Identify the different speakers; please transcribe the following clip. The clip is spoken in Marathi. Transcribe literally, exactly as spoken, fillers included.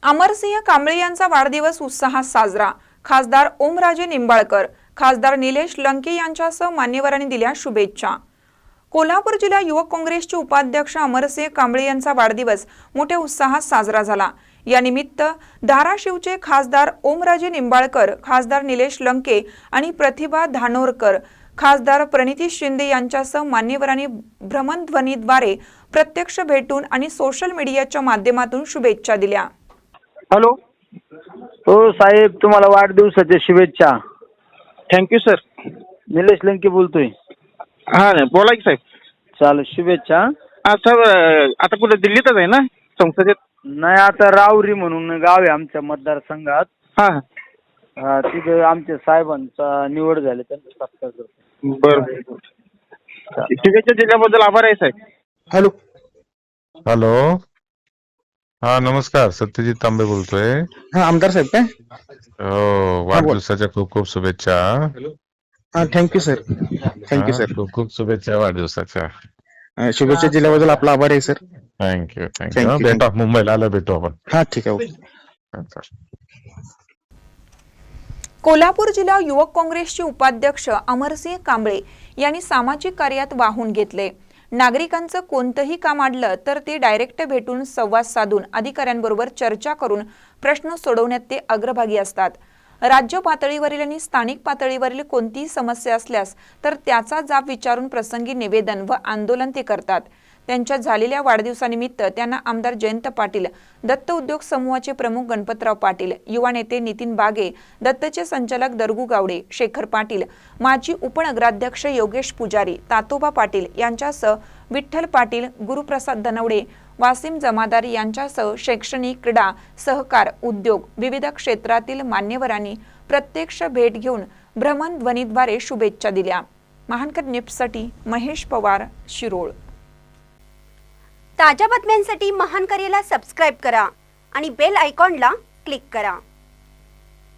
Speaker 1: अमरसिंह कांबळे यांचा वाढदिवस उत्साहात साजरा। खासदार ओमराजे निंबाळकर, खासदार निलेश लंके यांच्यासह मान्यवरांनी दिल्या शुभेच्छा। कोल्हापूर जिल्हा युवक काँग्रेसचे उपाध्यक्ष अमरसिंह कांबळे यांचा वाढदिवस मोठ्या उत्साहात साजरा झाला। या निमित्त धाराशिवचे खासदार ओमराजे निंबाळकर, खासदार निलेश लंके आणि प्रतिभा धानोरकर, खासदार प्रणिती शिंदे यांच्यासह मान्यवरांनी भ्रमणध्वनीद्वारे प्रत्यक्ष भेटून आणि सोशल मीडियाच्या माध्यमातून शुभेच्छा दिल्या।
Speaker 2: हॅलो,
Speaker 3: हो साहेब, तुम्हाला वाढदिवसाच्या शुभेच्छा।
Speaker 2: Thank you sir.
Speaker 3: निलेश लंके बोलतोय।
Speaker 2: हा नाही बोला की साहेब।
Speaker 3: चालेल, शुभेच्छा।
Speaker 2: हा सर, आता कुठे दिल्लीतच आहे ना संसदेत?
Speaker 3: नाही, आता रावरी म्हणून गाव आहे आमच्या मतदारसंघात।
Speaker 2: हा
Speaker 3: हा, तिथे आमच्या साहेबांचा निवड झाली, त्यांचा सत्कार करतो।
Speaker 2: बरं, शुभेच्छा दिल्याबद्दल आभार आहे साहेब।
Speaker 4: हॅलो
Speaker 5: हॅलो, हा नमस्कार, सत्यजित तांबे बोलतोय।
Speaker 4: हा, आमदार साहेब काय?
Speaker 5: हो, वाढदिवसाच्या खूप खूप शुभेच्छा।
Speaker 4: हा, थँक्यू सर। थँक्यू
Speaker 5: हा,
Speaker 4: सर।
Speaker 5: खूप खूप शुभेच्छा वाढदिवसाच्या।
Speaker 4: अं, शुभेच्छा दिल्याबद्दल आपला आभार आहे sir.
Speaker 5: Thank you
Speaker 4: Thank
Speaker 5: thank you
Speaker 4: you,
Speaker 5: भेटू, मुंबईला आलं भेटू आपण।
Speaker 4: हा, ठीक आहे, ओके।
Speaker 1: कोल्हापूर जिल्हा युवक काँग्रेसचे उपाध्यक्ष अमरसिंह कांबळे यांनी सामाजिक कार्यात वाहून घेतले। नागरिकांचं कोणतंही काम अडलं तर ते डायरेक्ट भेटून संवाद साधून अधिकाऱ्यांबरोबर चर्चा करून प्रश्न सोडवण्यात ते अग्रभागी असतात। राज्य पातळीवरील आणि स्थानिक पातळीवरील कोणतीही समस्या असल्यास तर त्याचा जाब विचारून प्रसंगी निवेदन व आंदोलन ते करतात। त्यांच्या झालेल्या वाढदिवसानिमित्त त्यांना आमदार जयंत पाटील, दत्त उद्योग समूहाचे प्रमुख गणपतराव पाटील, युवा नेते नितीन बागे, दत्तचे संचालक दरगू गावडे, शेखर पाटील, माजी उपनगराध्यक्ष योगेश पुजारी, तातोबा पाटील यांच्यासह विठ्ठल पाटील, गुरुप्रसाद धनवडे, वासिम जमादार यांच्यासह शैक्षणिक, क्रीडा, सहकार, उद्योग विविध क्षेत्रातील मान्यवरांनी प्रत्यक्ष भेट घेऊन भ्रमणध्वनीद्वारे शुभेच्छा दिल्या। महानकर न्यूजसाठी महेश पवार, शिरोळ।
Speaker 6: ताज्या बातम्यांसाठी महानकरेला सबस्क्राईब करा आणि बेल आयकॉनला क्लिक करा।